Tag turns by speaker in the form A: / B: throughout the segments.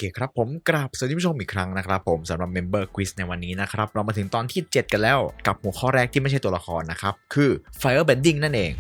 A: เคครับผมกราบสวัสดีผู้ชมอีกครั้งนะครับผมสำหรับ Member Quiz ในวันนี้นะครับเรามาถึงตอนที่ 7 กันแล้วกับหัวข้อแรกที่ไม่ใช่ตัวละครนะครับคือ Firebending นั่นเอง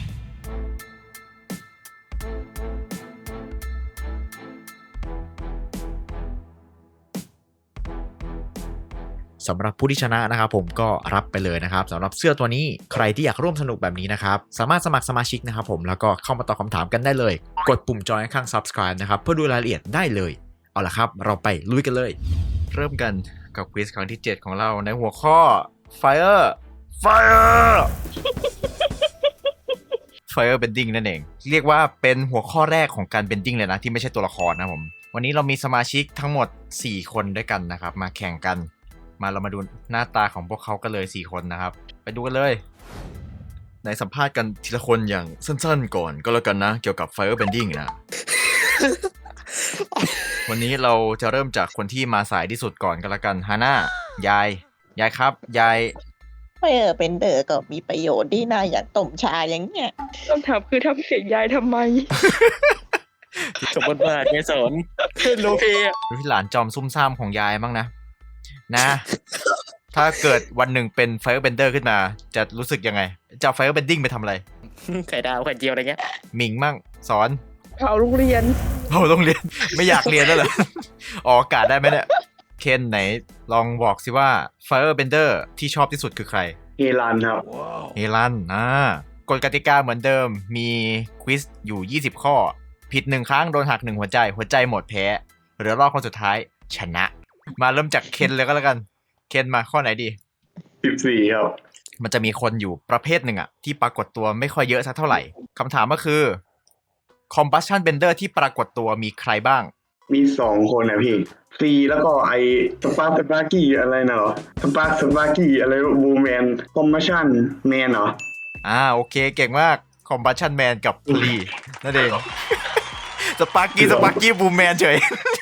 A: สำหรับผู้ที่ชนะนะครับผมก็รับไปเลยนะครับสำหรับเสื้อตัวนี้ใครที่อยากร่วมสนุกแบบนี้นะครับสามารถสมัครสมาชิกนะครับผมแล้วก็เข้ามาตอบคำถามกันได้เลยกดปุ่มจอยข้าง Subscribe นะครับเพื่อดูรายละเอียดได้เลยเอาล่ะครับเราไปลุยกันเลยเริ่มกันกับควิสครั้งที่ 7 ของเราในหัวข้อ Fire Fire Bending นั่นเองเรียกว่าเป็นหัวข้อแรกของการ Bending เลยนะที่ไม่ใช่ตัวละครนะผมวันนี้เรามีสมาชิกทั้งหมด4คนด้วยกันนะครับมาแข่งกันมาเรามาดูหน้าตาของพวกเขากันเลย4คนนะครับไปดูกันเลยในสัมภาษณ์กันทีละคนอย่างสั้นๆก่อนก็แล้วกันนะเกี่ยวกับ Fire Bending นะ วันนี้เราจะเริ่มจากคนที่มาสายที่สุดก่อนก็แล้วกันฮาน่ายายครับยาย
B: เป็นเดอก็มีประโยชน์ดีนะอย่างต้มชาอย่างเงี้ย
C: คำถามคือทำเสียงยายทำไม
D: สมบทบาทไงสอนโลเพอะ
A: ดูที่หลานจอมซุ่มซ่ามของยายบ้างนะ ถ้าเกิดวันหนึ่งเป็น Firebender ขึ้นมาจะรู้สึกยังไงจะ Firebending ไปทำอะไร
D: ไข่ดาวไข่เจียวอะไรเงี้ย
A: หมิงมั่งสอน
C: เผาโรงเรียน
A: เราต้องเรียน ไม่อยากเรียนแล้วเหรอ ออกอากาศได้ไหมเนี่ยเคนไหนลองบอกสิว่า Firebender ที่ชอบที่สุดคือใคร
E: เฮลันครับ
A: เฮลันกฎกติกาเหมือนเดิมมีควิสอยู่20ข้อผิด1ครั้งโดนหัก1หัวใจหมดแพ้เหลือรอบคนสุดท้ายชนะ มาเริ่มจากเคนเลยก็แล้วกันเคนมาข้อไหนดี
E: 14 ครับ
A: มันจะมีคนอยู่ประเภทหนึ่งอะที่ปรากฏตัวไม่ค่อยเยอะสักเท่าไหร่คำถามก็คือ Combustion Bender ที่ปรากฏตัวมีใครบ้าง
E: มี 2 คนนะพี่ซีแล้วก็ไอสปาร์กกี้อะไรนะเหรอสปาร์กี้อะไรบูแมนคอมมิชชั่นแมนเหรอ
A: โอเคเก่งมาก Combustion Man กับลีนั่นเอง สปาร์กี้บูมแมนเฉย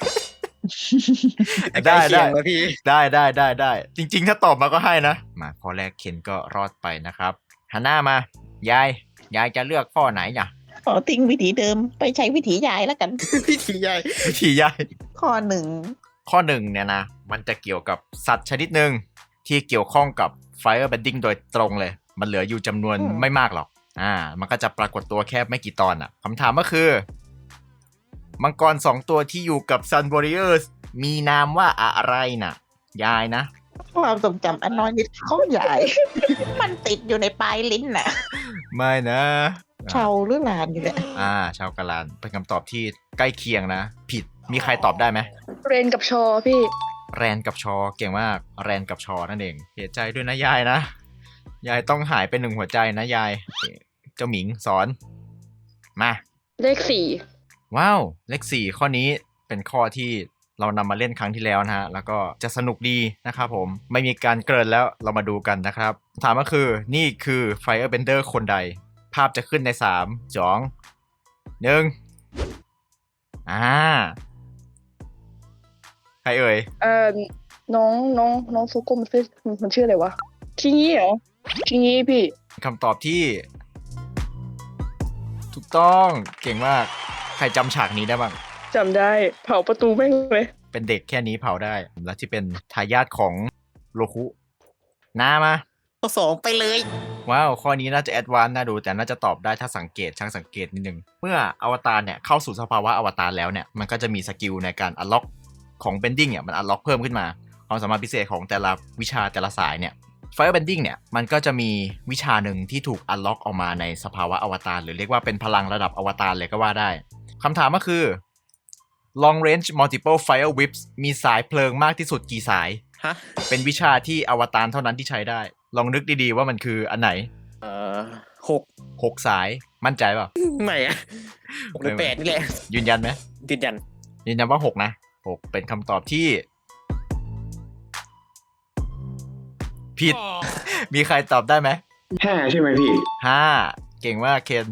A: ได้
D: แล้วพี่
A: ได้จริงๆถ้าตอบมาก็ให้นะมาข้อแรกเคนก็รอดไปนะครับฮาน่ามายายจะเลือกข้อไหนอ่ะ
B: ขอทิ้งวิธีเดิมไปใช้วิธียายแล้วกัน
D: พี่ทีใหญ่
A: วิธียาย
B: ข้อหนึ่ง
A: ข้อหนึ่งเนี่ยนะมันจะเกี่ยวกับสัตว์ชนิดหนึ่งที่เกี่ยวข้องกับ Firebending โดยตรงเลยมันเหลืออยู่จำนวนไม่มากหรอกมันก็จะปรากฏตัวแค่ไม่กี่ตอนอ่ะคำถามก็คือมังกร2ตัวที่อยู่กับ Sun Warriors มีนามว่าอะไรน่ะยายนะ
B: ความทรงจำอันน้อยนิดของยาย มันติดอยู่ในปลายลิ้นน่ะ
A: ไม่นะ
B: เชาหรือหลานอยู่เนี่ย
A: ชาวกาลานเป็นคำตอบที่ใกล้เคียงนะผิดมีใครตอบได้ไหม
C: เรนกับชอพี่
A: แรนกับชอเก่งมากแรนกับชอนั่นเองเสียใจด้วยนะยายนะยายต้องหายไป1หัวใจนะยายเจ้าหมิงสอนมา
C: เลข
A: ว้าวเลข4ข้อนี้เป็นข้อที่เรานำมาเล่นครั้งที่แล้วนะฮะแล้วก็จะสนุกดีนะครับผมไม่มีการเกริ่นแล้วเรามาดูกันนะครับถามก็คือนี่คือ Firebender คนใดภาพจะขึ้นใน3 2 1ใครเอ่ย
C: 4น้องโซโกมันชื่ออะไรวะชิงี้เหรอชิงี้พี่
A: คำตอบที่ถูกต้องเก่งมากใครจำฉากนี้ได้บ้าง
C: จำได้เผาประตูแม่งเลย
A: เป็นเด็กแค่นี้เผาได้และที่เป็นทายาทของโลคุนามา
D: ข้อ2ไปเลย
A: ว้าวข้อนี้น่าจะแอดวานซ์น่าดูแต่น่าจะตอบได้ถ้าช่างสังเกตนิดนึงเมื่ออวตารเนี่ยเข้าสู่สภาวะอวตารแล้วเนี่ยมันก็จะมีสกิลในการอัลล็อกของ Bending เนี่ยมันอัลล็อกเพิ่มขึ้นมาความสามารถพิเศษของแต่ละวิชาแต่ละสายเนี่ย Firebending เนี่ยมันก็จะมีวิชาหนึ่งที่ถูกอัลล็อกออกมาในสภาวะอวตารหรือเรียกว่าเป็นพลังระดับอวตารเลยก็ว่าได้คำถามก็คือ Long Range Multiple Fire Whips มีสายเพลิงมากที่สุดกี่สาย
D: ฮะ
A: เป็นวิชาที่อวตารเท่านั้นที่ใช้ได้ลองนึกดีๆว่ามันคืออันไหน
D: 6
A: 6 สายมั่นใจเปล่า
D: ไม่อะ6หรือ8นี่แหละ
A: ยืนยันไหม
D: ยืนยัน
A: ยืนยันว่า6นะ6เป็นคำตอบที่ผิด มีใครตอบได้ไหม
E: 5 ใช่ไหมพี่
A: 5เก่งมากเคน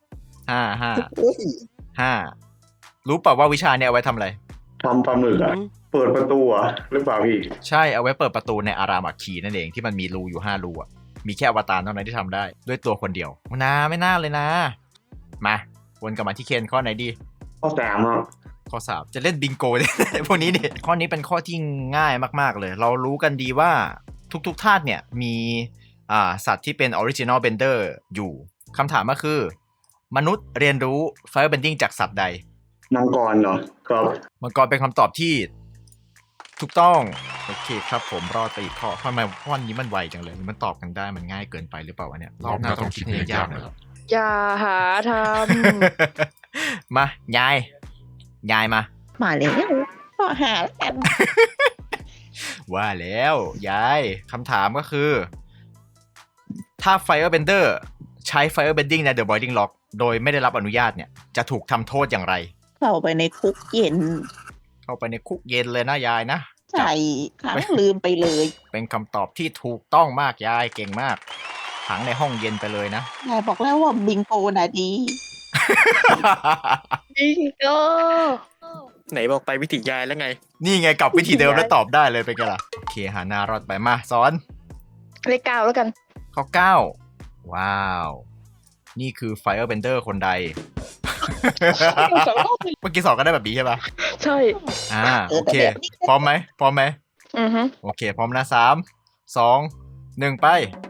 A: 5รู้เปล่าว่าวิชาเนี่ยเอาไว้ทำอะไร
E: ทำปลาหมึกอะเปิดประตูอะหรือเปล่าพี่
A: ใช่เอาไว้เปิดประตูในอารามอัคคีนั่นเองที่มันมีรูอยู่5รูอ่ะมีแค่อวตารเท่านั้นที่ทำได้ด้วยตัวคนเดียวไม่น่าเลยนะมาวนกลับมาที่เคนข้อไหนดี
E: ข้อ 3ครับ
A: ข้อ3จะเล่นบิงโก พวกนี้เนี่ยข้อนี้เป็นข้อที่ง่ายมากๆเลย เรารู้กันดีว่าทุกธาตุเนี่ยมีสัตว์ที่เป็น original bender อยู่คำถามก็คือมนุษย์เรียนรู้ fire bending จากสัตว์ใด
E: มังกรเหรอครับ
A: มังกรเป็นคำตอบที่ถูกต้องโอเคครับผมรอดไปอีกข้อทำไมข้อนี้มันไวจังเลยมันตอบกันได้มันง่ายเกินไปหรือเปล่าวะเนี่ยรอบหน้าต้องคิดให้ยากๆหน่อย
C: อย่าหาท
A: มายายมา
B: มาแล้วก็หาแล้วกัน
A: ว่าแล้วยายคำถามก็คือ ถ้า Firebender ใช้ Firebending ใน The Boiling Lock โดยไม่ได้รับอนุญาตเนี่ยจะถูกทำโทษอย่างไร
B: เข้าไปในคุกเย็น
A: เข้าไปในคุกเย็นเลยนะยายนะ
B: ใช่ขังลืมไปเลย
A: เป็นคำตอบที่ถูกต้องมากยายเก่งมากขังในห้องเย็นไปเลยนะ
B: ยายบอกแล้วว่าบิงโกน่ะดี
C: ำบิงโก
D: ไหนบอกไปวิธียายแล้วไง
A: นี่ไงกลับวิธีเดิมแล้วตอบได้เลยเป็นไงล่ะโอเคหาหน้ารอดไปมาสอน
C: เลข 9แล้วกัน
A: ข้อ9ว้าว นี่คือ Firebender คนใด เมื่อกี้สอนก็ได้แบบนี้ใช่ปะ
C: ใช่
A: โอเค พร้อมไหมพร้อมไหม
C: อือฮึ
A: โอเค พร้อมนะ3 2 1 ไป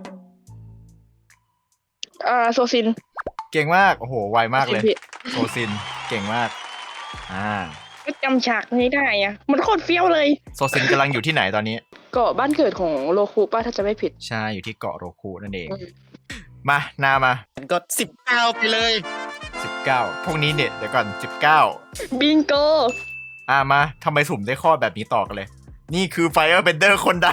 C: โซซิน
A: เก่งมาก โอ้โห ไวมากเลย
C: ผิด
A: โซซิน เก่งมาก
C: ก็จำฉากนี้ได้อะมันโคตรเฟี้ยวเลย
A: โซซินกำลังอยู่ที่ไหนตอนนี้
C: เกาะบ้านเกิดของโลคุป่ะถ้าจะไม่ผิด
A: ใช่ อยู่ที่เกาะโรคุนั่นเอง
C: อืม
A: มานามา
D: มันก็19ไปเลย
A: 19 พวกนี้เนี่ยเดี๋ยวก่อน 19
C: บิงโก
A: มาทำไมสุ่มได้ข้อแบบนี้ต่อกันเลย นี่คือ Firebender คนใด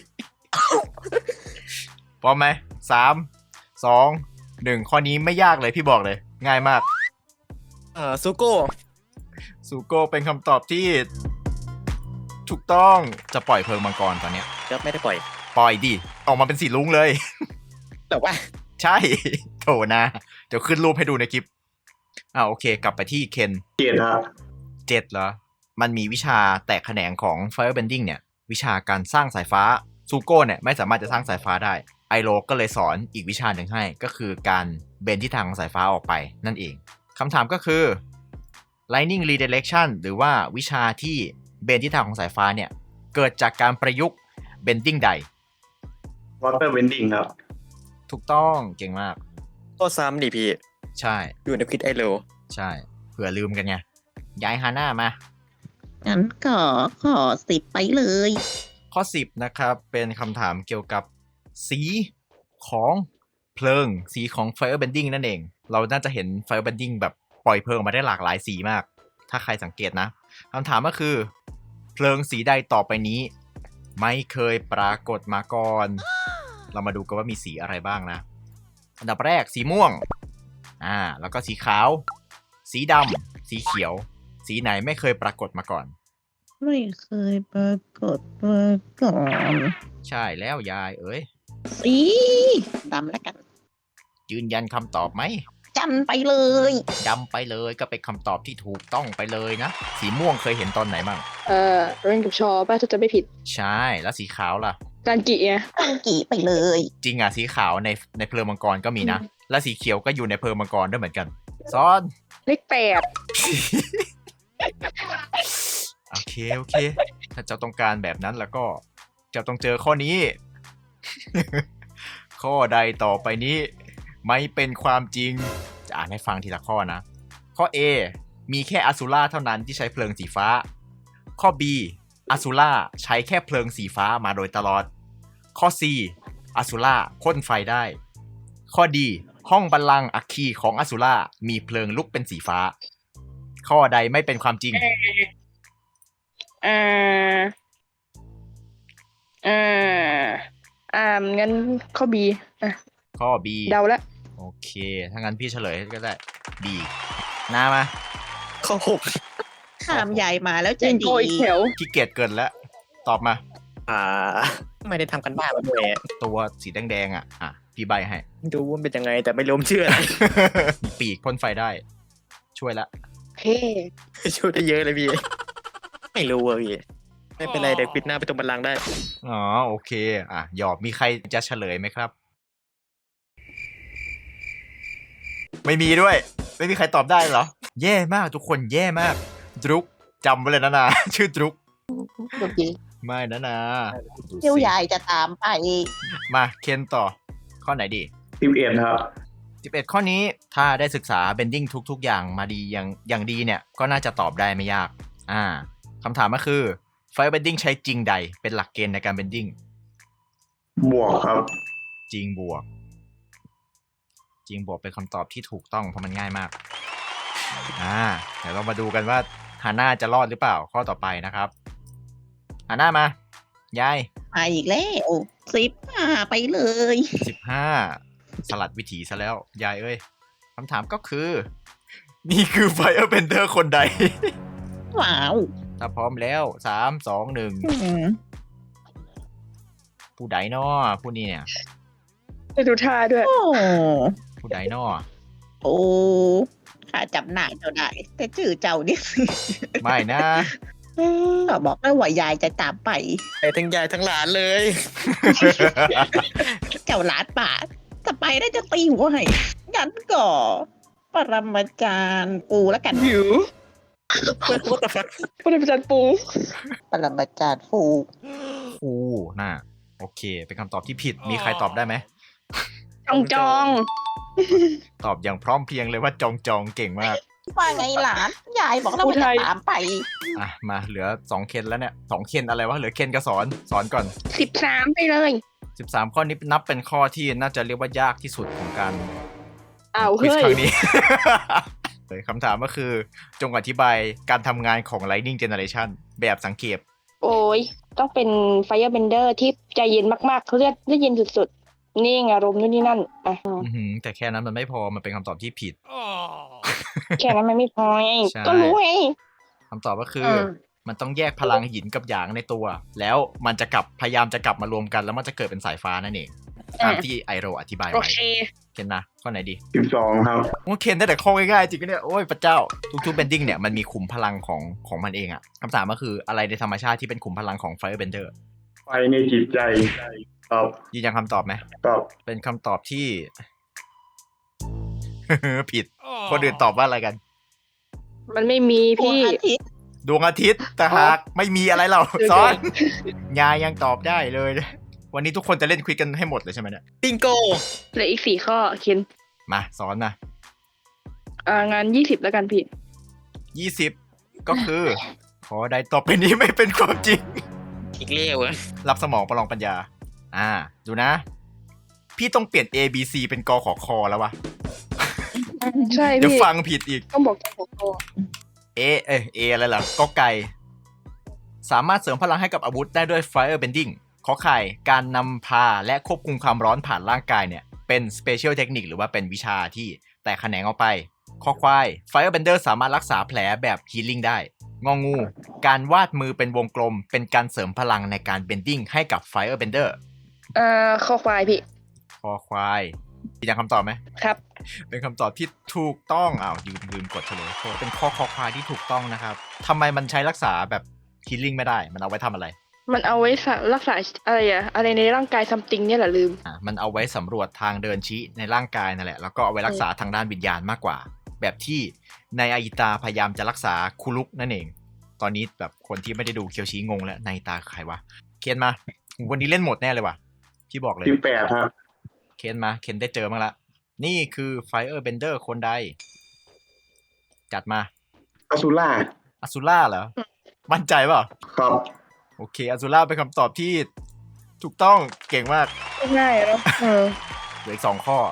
A: พร้อมไหม3 2 1 ข้อนี้ไม่ยากเลยพี่บอกเลย ง่ายมาก
D: ซูโก้
A: ซูโก้เป็นคำตอบที่ถูกต้องจะปล่อยเพลิงมังกรตอนเนี้ย
D: ก็ไม่ได้ปล่อย
A: ปล่อยดิ ออกมาเป็นสีลุ้งเลย
D: แต่ว่า
A: ใช่ โถนะ เดี๋ยวขึ้นรูปให้ดูในคลิปโอเค กลับไปที่เคน
E: เกียรติฮะ
A: 7เหรอ มันมีวิชาแตกแขนงของ Firebending เนี่ย วิชาการสร้างสายฟ้า ซูโก้เนี่ยไม่สามารถจะสร้างสายฟ้าได้ ไอโรก็เลยสอนอีกวิชาหนึ่งให้ ก็คือการเบนทิศทางของสายฟ้าออกไปนั่นเอง คำถามก็คือ Lightning Redirection หรือว่าวิชาที่เบนทิศทางของสายฟ้าเนี่ย เกิดจากการประยุกต์ Bending ใด
E: วอเตอร์เวนดิ้งครับ
A: ถูกต้องเก่งมาก
D: ก็ซ้ำดิพี่
A: ใช่
D: อยู่ในคิดไอโล
A: ใช่เผื่อลืมกันไงย้ายฮาน่ามา
B: งั้นก็ขอ10ไปเลย
A: ข้อ 10 นะครับ เป็นคำถามเกี่ยวกับสีของเพลิง สีของ Firebending นั่นเอง เราน่าจะเห็น Firebending แบบปล่อยเพลิงมาได้หลากหลายสีมาก ถ้าใครสังเกตนะคำถามก็คือ เพลิงสีใดต่อไปนี้ ไม่เคยปรากฏมาก่อน เรามาดูกันว่ามีสีอะไรบ้างนะ อันดับแรกสีม่วงแล้วก็สีขาว สีดำสีเขียว สีไหนไม่เคยปรากฏมาก่อน
B: ไม่เคยปรากฏมาก่อน
A: ใช่แล้วยายเอ้ย
B: สีดำแล้วกัน
A: ยืนยันคำตอบไหม
B: จันไปเลย
A: ดำไปเลยก็เป็นคำตอบที่ถูกต้องไปเลยนะ สีม่วงเคยเห็นตอนไหนบ้าง
C: เรนกับชอป่ะถ้าจะไม่ผิด
A: ใช่แล้วสีขาวล่ะ
C: การกิไง
B: ตั้งกี่ไปเลย
A: จริงอ่ะสีขาวในเพลิงมังกรก็มีนะ และสีเขียวก็อยู่ในเพลิงมังกรด้วยเหมือนกันซ้อน
C: เลข
A: โอเคถ้าเจ้าต้องการแบบนั้นแล้วก็เจ้าต้องเจอข้อนี้ ข้อใดต่อไปนี้ ไม่เป็นความจริงจะอ่านให้ฟังทีละข้อนะ ข้อ A มีแค่อสูล่าเท่านั้นที่ใช้เพลิงสีฟ้า ข้อ B อสูล่าใช้แค่เพลิงสีฟ้ามาโดยตลอด ข้อ C อสูล่าพ่นไฟได้ ข้อ D ห้องบัลลังก์อัคคีของอสูล่ามีเพลิงลุกเป็นสีฟ้า ข้อใดไม่เป็นความจริง
C: งั้นข้อ B
A: ข้อ B
C: เดาละ
A: โอเค ถ้างั้นพี่เฉลยก็ได้ B หน้ามา
D: ข้อ
B: ถามยายมาแล้ว
C: บิ
B: จะ
C: ง
B: ดี
C: โกอีกแถว
A: ขี้เกียจเกินแล้ว ตอบมา
D: 6ไม่ได้ทำกันบ้านมาด้วย
A: ตัวสีแดงๆพี่ใบให้
D: ดูว่าเป็นยังไงแต่ไม่รู้มันชื่ออะไร
A: มีปีกพ่นไฟได้ ช่วยละ
C: เฮ้
D: ช่วยได้เยอะเลยพี่ ไม่รู้อะพี่ ไม่เป็นไรเดี๋ยวปิดหน้าไปตรงบัลลังก์ได้
A: อ๋อโอเคหยอบมีใครจะเฉลยไหมครับ ไม่มีด้วย ไม่มีใครตอบได้เหรอ แย่มากทุกคนแย่มากดรุกจำไว้เลยนะนา ชื่อดรุก
B: โอเค
A: ไม่นะนาดู
B: เดี๋ยว
A: สิ
B: ยายจะตามไป
A: มาเคนต่อ ข้อไหนดี
E: 11ครับ
A: 11 ข้อนี้ถ้าได้ศึกษา bending ทุกๆ อย่างมาดีอย่างดีเนี่ย ก็น่าจะตอบได้ไม่ยาก คำถามก็คือ fire bending ใช้จริงใดเป็นหลักเกณฑ์ในการ bending
E: บวกครับ
A: จริงบวก จริงบวกเป็นคำตอบที่ถูกต้องเพราะมันง่ายมาก เดี๋ยวเรามาดูกันว่าฮาน่าจะรอดหรือเปล่าข้อต่อไปนะครับฮาน่ามายาย
B: มาอีกแล้ว15ไปเลย
A: 15 สลัดวิถีซะแล้ว ยายเอ้ยคำถามก็คือ นี่คือ Firebender คนใด
B: ว้าว
A: ถ้าพร้อมแล้ว 3 2 1 ผู้ใดน้อผู้นี้เนี่ย
C: ไปดูท่าด้วย
B: โอ้
A: ผู้ใดน้อ
B: โอ้ข้าจำหน้าเจ้าได้ แต่ชื่อเจ้านี่
A: ไม่นะ
B: ก็บอกแล้วว่ายายจะตามไป
D: ไปทั้งยายทั้งหลานเลย
B: เจ้าหลานป่าถ้าไปได้จะตีหัวให้งั้นก็ปรมาจารย์ปูแล้วกัน
C: หิว
D: What the fuck
C: ผู้ได้ประจันปู
B: ปรมาจารย์ปู
A: น่าโอเค เป็นคำตอบที่ผิด มีใครตอบได้ไหม
C: จอง
A: ตอบอย่างพร้อมเพรียงเลยว่าจองจองเก่งมาก
B: ว่าไงหลาน ยายบอกแล้วว่าจะตามไป
A: มาเหลือ2เคนแล้วเนี่ย2เคนอะไรวะ เหลือเคนกับสอนก่อน
C: 13ไปเลย
A: 13 ข้อนี้นับเป็นข้อที่น่าจะเรียกว่ายากที่สุดของการ
C: อ้าว
A: ควิส
C: เฮ้ย
A: ครั้งนี้ คำถามก็คือจงอธิบายการทำงานของ Lightning Generation แบบสังเกต
C: โอ้ยต้องเป็น Firebender ที่ใจเย็นมากๆเขาเรียกได้เย็นสุดๆ นิ่งอารมณ์นู่นนี่นั่นอ่ะ
A: แต่แค่นั้นมันไม่พอ มันเป็นคำตอบที่ผิด
C: แค่นั้นมันไม่พอไง
A: ใช่
C: ก็รู้ไง
A: คำตอบก็คืออมันต้องแยกพลังหยินกับหยางในตัว แล้วมันจะพยายามจะกลับมารวมกันแล้วมันจะเกิดเป็นสายฟ้านั่นเองตามที่ไอโรอธิบาย
C: โอ
A: ไว้
C: เค
A: เคนนะข้อไหนดี
E: 12ครับ
A: โอเคนได้แต่ข้อง่ายๆจริงๆเนี่ยโอ้ยพระเจ้าทุกๆ bending เนี่ยมันมีขุมพลังของมันเองอะคำถามก็คืออะไรในธรรมชาติที่เป็นขุมพลังของ Firebender
E: ไฟในจิตใจตอบ
A: ยืนยันคำตอบไหม
E: ตอบ
A: เป็นคำตอบที่ ผิด คนอื่นตอบว่าอะไรกัน
C: มันไม่มี
B: พวง
C: พี่
B: อาทิตย์
A: ดวงอาทิตย์แต่หากไม่มีอะไรเรา
C: เดี๋ยว
A: ซ้อน ยายยังตอบได้เลย วันนี้ทุกคนจะเล่นควิดกันให้หมดเลยใช่ไหมเนี่ย
D: บิงโก
C: เหลืออีก4 ข้อเคน
A: มาสอนนะ
C: งาน20แล้วกันพี่
A: 20 ก็คือ ขอใดต่อไปนี้ไม่เป็นความจริง
D: อีกเลี้ยวอะ
A: รับสมองประลองปัญญา ดูนะ พี่ต้องเปลี่ยน A B C เป็นกขอคอแล้ววะ
C: ใช่
A: เดี๋ยว
C: พี่
A: ฟังผิดอีก
C: ต้องบอกหัวข้อ
A: A อะไรล่ะก็ไก่ สามารถเสริมพลังให้กับอาวุธได้ด้วย Fire Bending ขอไข่ การนำพาและควบคุมความร้อนผ่านร่างกายเนี่ย เป็น Special Technique หรือว่าเป็นวิชาที่แตกแขนงออกไป คอควาย Firebender สามารถรักษาแผลแบบ Healing ได้ งองู การวาดมือเป็นวงกลม เป็นการเสริมพลังในการ Bending ให้กับ Firebender
C: ข้อควายพี่
A: คอควายมีอย่างคำตอบไหม
C: ครับ
A: เป็นคำตอบที่ถูกต้องลืมกดเฉลยโทษเป็นข้อคอควายที่ถูกต้องนะครับทำไมมันใช้รักษาแบบ Healing ไม่ได้ มันเอาไว้ทำอะไร
C: มันเอาไว้รักษาอะไรในร่างกายซัมติงเนี่ยแหละลืม
A: มันเอาไว้สำรวจทางเดินชี้ในร่างกายนั่นแหละ แล้วก็เอาไว้รักษาทางด้านวิญญาณมากกว่า แบบที่ในอาอิตาพยายามจะรักษาคุรุกนั่นเอง ตอนนี้แบบคนที่ไม่ได้ดูเคียวชี้งงแล้วในตาใครวะ เคนมา วันนี้เล่นหมดแน่เลยว่ะ พี่บอกเลย
E: 18ครับ
A: เคนมา เคนได้เจอมั้งละ นี่คือ Firebender คนใด จัดมา
E: อสุล่า
A: อซูล่าเหรอ มั่นใจเปล่า
E: ครับ
A: โอเคอซูล่าเป็นคำตอบที่ถูกต้องเก่งมาก
C: ง่ายแล้ว
A: เหลืออีก2 ข้อ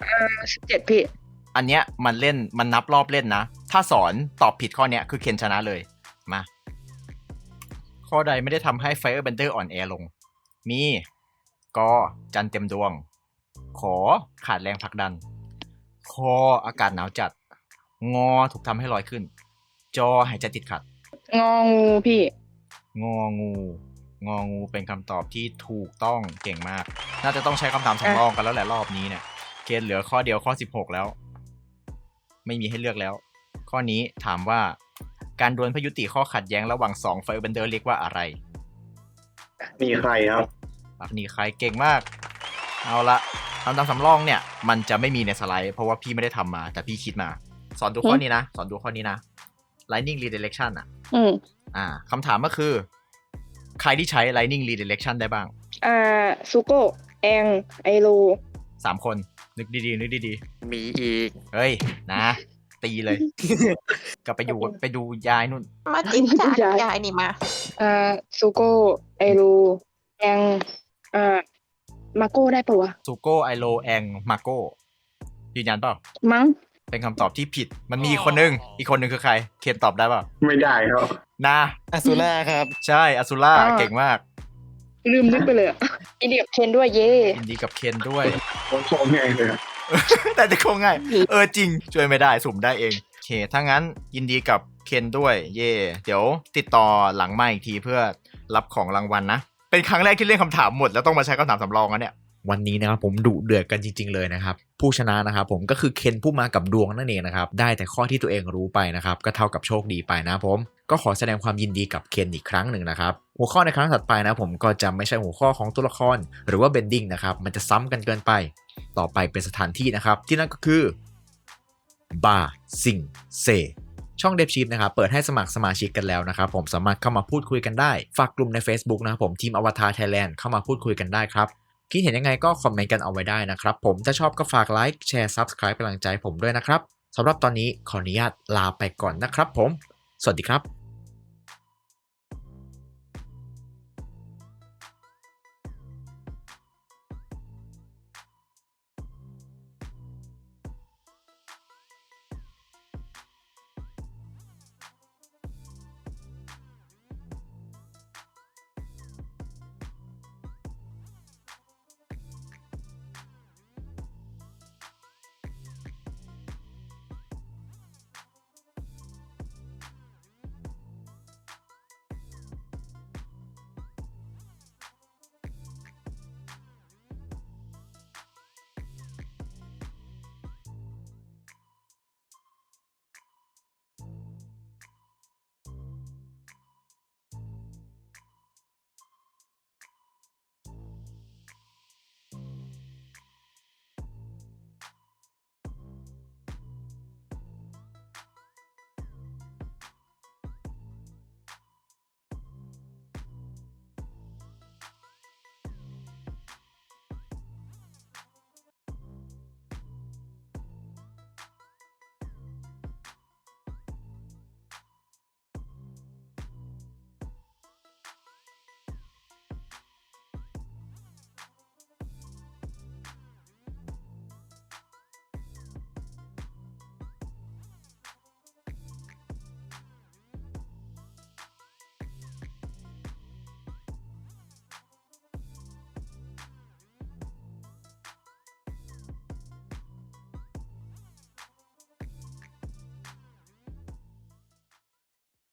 C: 17พี่
A: อันเนี้ยมันนับรอบเล่นนะ ถ้าสอนตอบผิดข้อเนี้ยคือเคนชนะเลย มา ข้อใดไม่ได้ทำให้ Firebender อ่อนแอลง มีกอจันทร์เต็มดวง ขอขาดแรงผลักดัน คออากาศหนาวจัด งอถูกทำให้ลอยขึ้น จอหายใจติดขัด
C: งองูพี่
A: งองูเป็นคำตอบที่ถูกต้องเก่งมาก น่าจะต้องใช้คำถามสำรองกันแล้วแหละรอบนี้เนี่ย เกณฑ์เหลือข้อเดียวข้อ16แล้ว ไม่มีให้เลือกแล้ว ข้อนี้ถามว่าการดวลเพื่อยุติข้อขัดแย้งระหว่าง2 Firebender เรียกว่าอะไร
E: มีใครครับ
A: อันนี้ใครเก่งมาก เอาละคำถามสำรองเนี่ย มันจะไม่มีในสไลด์เพราะว่าพี่ไม่ได้ทำมาแต่พี่คิดมา สอนดูข้อนี้นะ Lightning Redirection อ่ะ
C: อืม
A: คำถามก็คือ ใครที่ใช้ Lightning Redirection ได้บ้าง
C: ซูโก้แองไอโร
A: 3 คน นึกดีๆ นึกดี
D: มีอีก
A: ๆ เฮ้ย นะ ตีเลย กลับไปดูยายนู่น
B: มาจิ้มจากยายนี่มา
C: ซูโก้ไอโรแองมาโก้ได้ปะวะ
A: ซูโก้ไอโลแองมาโก้ยืนยันเปล่า
C: มั้ง
A: เป็นคำตอบที่ผิด มันมีอีกคนนึงคือใคร เคนตอบได้เปล่า
E: ไม่ได้ครับ
A: นะ
D: อสูล่าครับ
A: ใช่อ z ซูล่าเก่งมาก
C: ลืมนึกไปเลยอินเดียกับเคนด้วยเย่
A: ยินดีกับเคนด้วย
E: โคตรง่ายเลยครับ
A: แต่จะคงง่าย จริง ช่วยไม่ได้สุ่มได้เองโอเคถ้างั้นยินดีกับเคนด้วย เย่เดี๋ยวติดต่อหลังไมค์อีกทีเพื่อรับของรางวัลนะ เป็นครั้งแรกที่เล่นคำถามหมดแล้วต้องมาใช้คำถามสำรองนะเนี่ย วันนี้นะครับผมดุเดือดกันจริงๆเลยนะครับผู้ชนะนะครับผมก็คือเคนผู้มากับดวงนั่นเองนะครับได้แต่ข้อที่ตัวเองรู้ไปนะครับก็เท่ากับโชคดีไปนะผมก็ขอแสดงความยินดีกับเคนอีกครั้งหนึ่งนะครับหัวข้อในครั้งถัดไปนะผมก็จะไม่ใช่หัวข้อของตัวละครหรือว่าเบนดิ้งนะครับมันจะซ้ำกันเกินไปต่อไปเป็นสถานที่นะครับที่นั่นก็คือบาซิงเซช่องเดฟชีฟนะครับเปิดให้สมัครสมาชิกกันแล้วนะครับผมสามารถเข้ามาพูดคุยกันได้ฝากกลุ่มใน Facebook นะครับผมทีมอวตารไทยแลนด์เข้ามาพูดคุยกันได้ครับคิดเห็นยังไงก็คอมเมนต์กันเอาไว้ได้นะครับผมถ้าชอบก็ฝากไลค์แชร์ Subscribe เป็นกำลังใจผมด้วยนะครับสำหรับตอนนี้ขออนุญาตลาไปก่อนนะครับผมสวัสดีครับ